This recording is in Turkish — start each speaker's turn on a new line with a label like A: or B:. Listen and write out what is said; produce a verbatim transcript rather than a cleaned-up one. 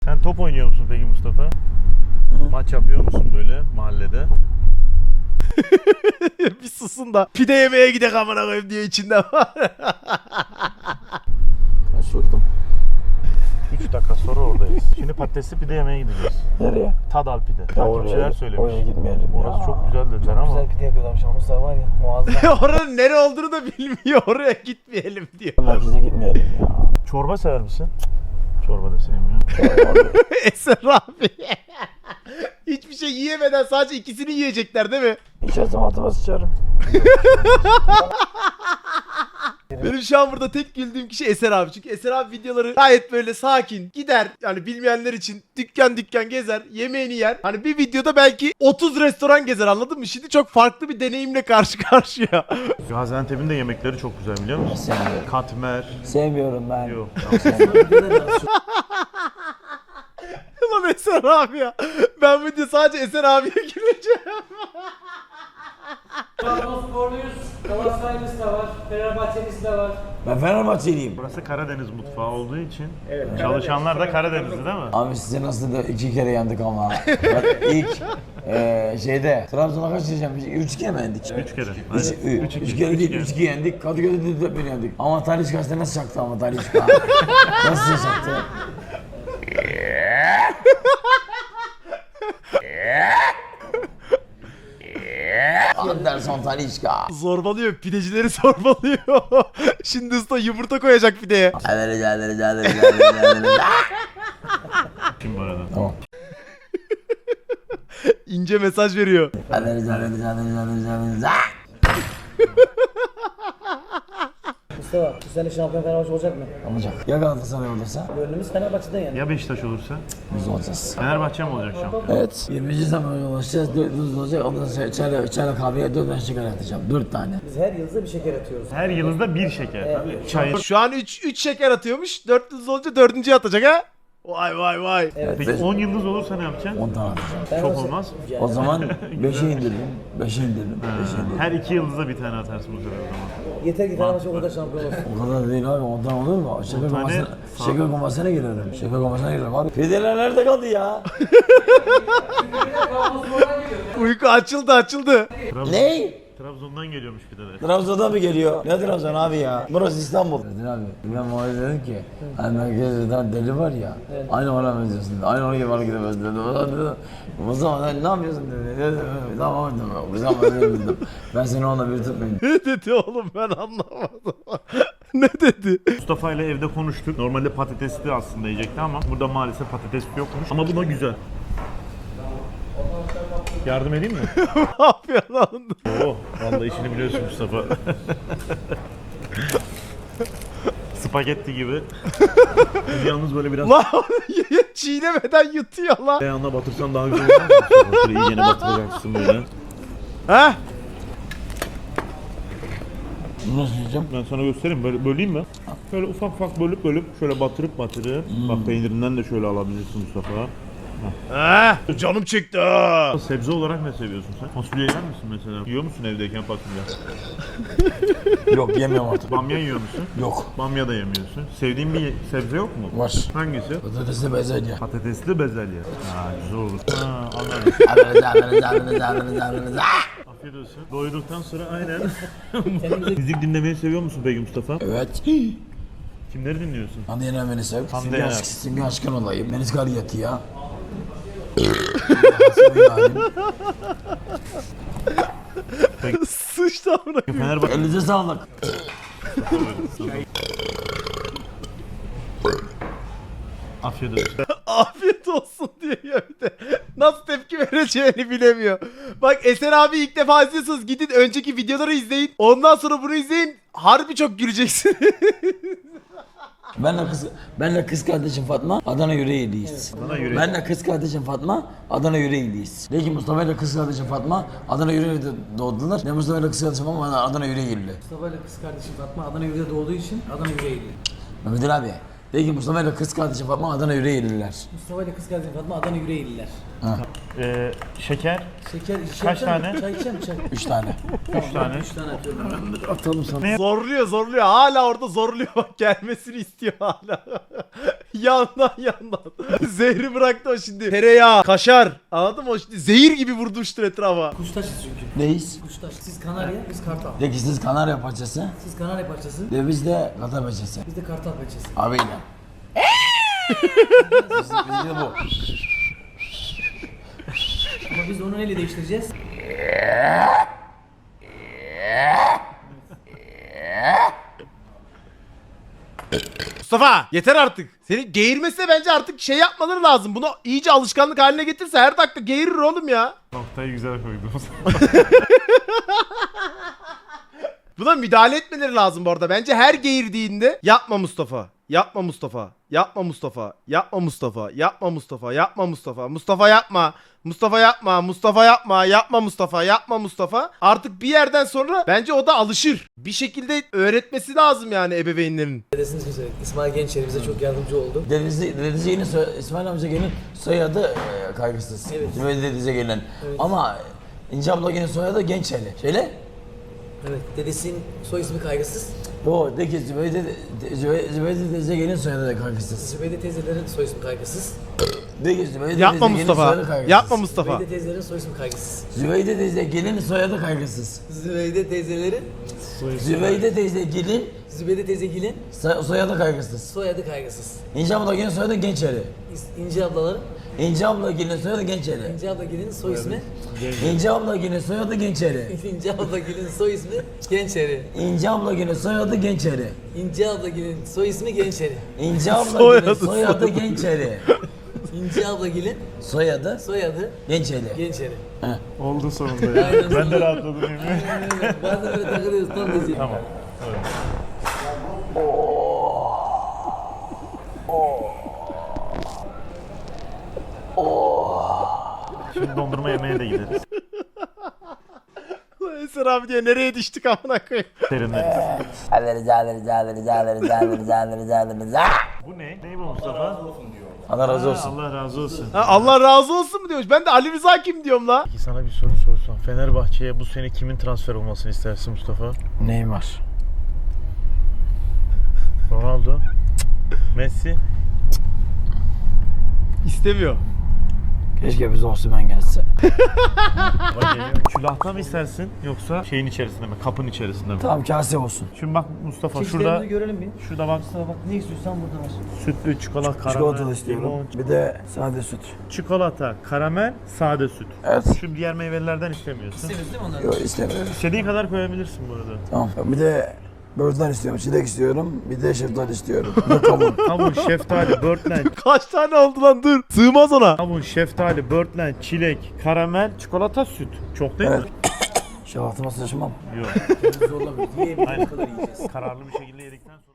A: Sen top oynuyor musun peki Mustafa? Hı? Maç yapıyor musun böyle mahallede?
B: Bir susun da pide yemeye gidek amına koyayım diye içinden var.
C: Şuradım.
A: üç dakika sonra oradayız. Şimdi patatesli pide yemeye gideceğiz.
C: Nereye?
A: Tadal pide. Takipçiler söylemiş.
C: Oraya gitmeyelim
A: Orası
C: ya.
A: çok güzel dediler ama.
C: Güzel pide yapıyorlarmış ama Mustafa var ya muazzam.
B: Oranın nere olduğunu da bilmiyor. Oraya gitmeyelim diyor.
C: Merkeze gitmeyelim ya.
A: Çorba sever misin? Çorba da sevmiyor.
B: Eser abi. Hiçbir şey yiyemeden sadece ikisini yiyecekler değil mi?
C: İçersem altıma sıçarım.
B: Benim şu an burada tek güldüğüm kişi Eser abi. Çünkü Eser abi videoları gayet böyle sakin gider. Yani bilmeyenler için dükkan dükkan gezer, yemeğini yer. Hani bir videoda belki otuz restoran gezer, anladın mı? Şimdi çok farklı bir deneyimle karşı karşıya.
A: Gaziantep'in de yemekleri çok güzel biliyor musun?
C: Sevmiyorum.
A: Katmer.
C: Sevmiyorum ben.
A: Yok.
B: Ulan Eser abi ya. Ben video sadece Eser abiye güleceğim.
D: Trabzonsporluyuz. Galatasaraylıyız da var. Fenerbahçelisi de var.
C: Ben Fenerbahçeliyim.
A: Burası Karadeniz mutfağı olduğu için çalışanlar da Karadenizli değil mi?
C: Abi size nasıl da iki kere yendik ama. Bak ilk eee şeyde Trabzon'a kaç diyeceğim? Üç kere mi yendik?
A: Üç kere.
C: Üç,
A: Aynen.
C: üç, üç kere değil, üç iki yendik. Kadıköy'de de dört bir yendik. Ama Talişka işte nasıl çaktı ama Talişka? Nasıl çaktı? Anderson Talişka.
B: Zorbalıyor, pidecileri zorbalıyor. Şimdi usta yumurta koyacak pideye.
A: Kim bu arada?
C: Tamam.
B: İnce mesaj veriyor.
D: Mustafa, bu sene şampiyon Fenerbahçe olacak mı?
C: Olacak. Ya Galatasaray olursa
D: Gönlümüz Fenerbahçe'den yani.
A: Ya Beşiktaş olursa?
C: biz olacağız.
A: Fenerbahçe mi olacak şu an?
C: Evet. yirminci zamana ulaşacağız. dört yüz olacak. Ondan sonra çayla, çayla kahveye dört tane şeker atacağım. dört tane.
D: Biz her yılda bir şeker atıyoruz.
A: Her yılınızda bir şeker. Çay.
B: Şu an üç üç şeker atıyormuş. dört yıldız olunca dördüncüyü atacak ha. Vay vay vay.
A: Peki on yıldız olursa ne yapacaksın?
C: on tane atacağım.
A: Çok olmaz.
C: O zaman beşe indiririm. beşe indiririm. beşe indiririm.
A: Her iki yıldıza bir tane atarsın bu sefer o zaman.
D: Yeter ki Fenerbahçe o kadar şampiyon olsun.
C: O kadar değil abi. on tane olur mu? Şeker
A: tane
C: komasına,
A: sağ-
C: şeker komasına girerim. Şeker komasına girerim abi. Pideler nerede kaldı ya?
B: Uyku açıldı açıldı.
A: Trabzon,
C: Ne?
A: Trabzon'dan geliyormuş bir de.
C: Trabzon'dan mı geliyor? Ne Trabzon abi ya? Burası İstanbul. Dedin abi. Ben muhabbet dedim ki hani merkezden deli var ya. Aynı ona benziyorsun dedi. Aynı ona gibi bana gidemez dedi. O zaman dedi. O zaman ne yapıyorsun dedi. Dedim, tamam dedim. O zaman ben dedim. Ben seni onunla bir tutmayayım.
B: Ne dedi oğlum, ben anlamadım. Ne dedi?
A: Mustafa ile evde konuştuk. Normalde patatesli aslında yiyecekti ama burada maalesef patates yokmuş. Ama bu da güzel. Yardım edeyim mi?
B: Ne yapıyor lan?
A: Oo, vallahi işini biliyorsun Mustafa. Spagetti gibi. Yalnız böyle biraz
B: Lan çiğnemeden yutuyor lan.
A: ayağına batırsan daha güzel olur mu? Böyle iyicene batıracaksın böyle.
B: Ha?
C: Nasıl yiyeceğim?
A: Ben sana göstereyim. Böyle böleyim mi? Şöyle ufak ufak bölüp bölüp şöyle batırıp batırıp. Bak peynirinden de şöyle alabilirsin Mustafa.
B: Ha? Canım çekti ha.
A: Sebze olarak ne seviyorsun sen? Fasulye yer misin mesela? Yiyor musun evdeyken fasulye?
C: Yok yemiyorum artık.
A: Bamya yiyor musun?
C: Yok.
A: Bamya da yemiyorsun. Sevdiğin bir sebze yok mu?
C: Var.
A: Hangisi?
C: Patatesli bezelye.
A: Patatesli bezelye. Ha güzel olur. Ha anladım. Afiyet olsun. Doyduktan sonra aynen. Müzik dinlemeyi seviyor musun peki Mustafa?
C: Evet.
A: Kimleri dinliyorsun?
C: Hande Yener beni sev.
A: Hande
C: Simge
A: Yener.
C: Aşk, Simge Aşkın olayım. Deniz Gariyatı ya.
B: Sıçtı amına.
A: Fenerbahçe.
C: Elinize sağlık.
A: Afiyet olsun.
B: Afiyet olsun diyor ya bir de. Nasıl tepki vereceğini bilemiyor. Bak Eser abi ilk defa izliyorsunuz. Gidin önceki videoları izleyin. Ondan sonra bunu izleyin. Harbi çok güleceksin.
C: Benle kız, benle kız kardeşim Fatma Adana Yüreğirliyiz.
A: Adana Yüreğirli.
C: Benle kız kardeşim Fatma Adana Yüreğirliyiz. Peki Mustafa ile kız kardeşim Fatma Adana Yüreğirli'de doğdular. Ne Mustafa ile kız kardeşim Fatma Adana Yüreğirli.
D: Mustafa ile kız kardeşim Fatma Adana Yüreği'de doğduğu için Adana Yüreği'li.
C: Mehmet Ali abi. Peki Mustafa ile kız kardeşim Fatma Adana Yüreğirliler.
D: Mustafa ile kız kardeşim Fatma Adana Yüreği'liler.
A: Ee, şeker.
D: Şeker,
A: Kaç
D: şey
A: tane?
D: Çay içer mi çay?
C: Üç tane.
A: Üç tane.
D: Üç tane atıyorum.
C: Atalım sana.
B: Zorluyor zorluyor. Hala orada zorluyor. Bak gelmesini istiyor hala. yandan yandan. Zehri bıraktı o şimdi. Tereyağı, kaşar. Anladın mı? O şimdi zehir gibi vurmuştur etrafa.
D: Kuştaşız çünkü.
C: Neyiz?
D: Kuştaş. Siz Kanarya, biz Kartal.
C: De ki siz Kanarya parçası.
D: Siz Kanarya parçası,
C: De biz de Katar parçası.
D: biz de Kartal parçası.
C: Abiyle. Biz, biz de bu.
D: Ama biz onu neyle değiştireceğiz?
B: Mustafa yeter artık. Senin geğirmesine bence artık şey yapmaları lazım. Bunu iyice alışkanlık haline getirse her dakika geğirir oğlum ya.
A: Noktayı güzel koydum.
B: Buna müdahale etmeleri lazım bu arada. Bence her geğirdiğinde yapma Mustafa. Yapma Mustafa. Yapma Mustafa. Yapma Mustafa. Yapma Mustafa. Yapma Mustafa. Mustafa yapma. Mustafa yapma. Mustafa yapma. Yapma Mustafa. Yapma Mustafa. Artık bir yerden sonra bence o da alışır. Bir şekilde öğretmesi lazım yani ebeveynlerin.
D: Dedesiniz mi söyledik? İsmail Gençer bize çok yardımcı oldu.
C: Dedesi, dedesi yeni soy, İsmail amca gelin soyadı e, kaygısız.
D: Evet.
C: Zübeyde dedesi gelin.
D: Evet.
C: Ama İnce abla gelin soyadı Gençeli. Şöyle.
D: Evet, dedesinin soy ismi kaygısız.
C: Bu de ki Zübeyde, de- Zübeyde, Zübeyde dedesi gelin soyadı da kaygısız.
D: Zübeyde teyzelerin soy ismi kaygısız.
C: De ki Zübeyde
B: Yapma
C: dedesi gelin soyadı
B: Mustafa.
C: kaygısız.
B: Yapma Mustafa.
D: Zübeyde teyzelerin soy ismi kaygısız.
C: Zübeyde teyze gelin soyadı kaygısız.
D: Zübeyde teyzelerin,
C: Zübeyde teyze gelin
D: Zübeyde teyzegilin
C: so- soyadı kaygısız.
D: soyadı kaygısız.
C: İnce abla gelin soyadı Gençeli.
D: İs- İnci ablaların,
C: İnce abla gelin soyadı Gençeli.
D: İnci ablagilin soy ismi,
C: İnce abla gelin soyadı Gençeli.
D: İnci ablagilin soy ismi Gençeri.
C: İnce abla gelin soyadı Gençeli.
D: İnci ablagilin soy ismi Gençeri.
C: İnce abla
B: Soyadı,
C: gelin soyadı
B: soyadı.
C: Gençeli.
D: İnci ablagilin
C: Soyadı
D: soyadı
C: Gençeli.
D: Gençeri.
A: Oldu sonunda ya.
D: Aynen
A: Ben de
D: öyle.
A: rahatladım yemin.
D: Aynen öyle. Bazen böyle takılıyoruz tam diyecek.
A: Tamam. Evet. Şimdi dondurma yemeye de gideriz.
B: Lan Eser abi diye nereye düştük amına koyayım.
A: Serinleriz.
C: Alırız alırız alırız alırız alırız alırız alırız.
A: Bu ne? Ne bu Mustafa?
C: Allah razı
A: Ha,
C: olsun.
A: Allah razı olsun.
B: Ha, Allah razı olsun mu diyormuş. Ben de Ali Rıza kim diyorum la.
A: Peki sana bir soru sorsam. Fenerbahçe'ye bu sene kimin transfer olmasını istersin Mustafa?
C: Neymar.
A: Ronaldo? Messi?
B: İstemiyor.
C: Keşke bize Osman gelse.
A: Bak geliyor. Külahta mı istersin yoksa şeyin içerisinde mi? Kapın içerisinde mi?
C: Tamam kase olsun.
A: Şimdi bak Mustafa
D: Çeşitlerimizi
A: şurada
D: görelim bir.
A: şurada bak
D: Mustafa bak ne istiyorsan burada var.
A: sütlü çikolata, karamel,
C: Çikolatalı istiyorum.
A: limon,
C: Bir de sade süt.
A: çikolata, karamel, sade süt.
C: Evet.
A: Şu diğer meyvelerden istemiyorsun.
D: İstemiyoruz değil mi onları?
C: Yok istemiyorum.
A: İstediğin kadar koyabilirsin bu arada.
C: Tamam. Bir de böğürtlen istiyorum, çilek istiyorum, bir de şeftali istiyorum. Bir de kavun.
A: Kavun, şeftali, börtlen,
B: Kaç tane oldu lan dur. Sığmaz ona.
A: kavun, şeftali, börtlen, çilek, karamel, çikolata, süt. Çok değil
C: Evet.
A: mi?
C: Şalatıma sıçmam.
A: Yok.
D: Zorla bir yiyebildiğimiz kadar yiyeceğiz.
A: Kararlı bir şekilde yedikten sonra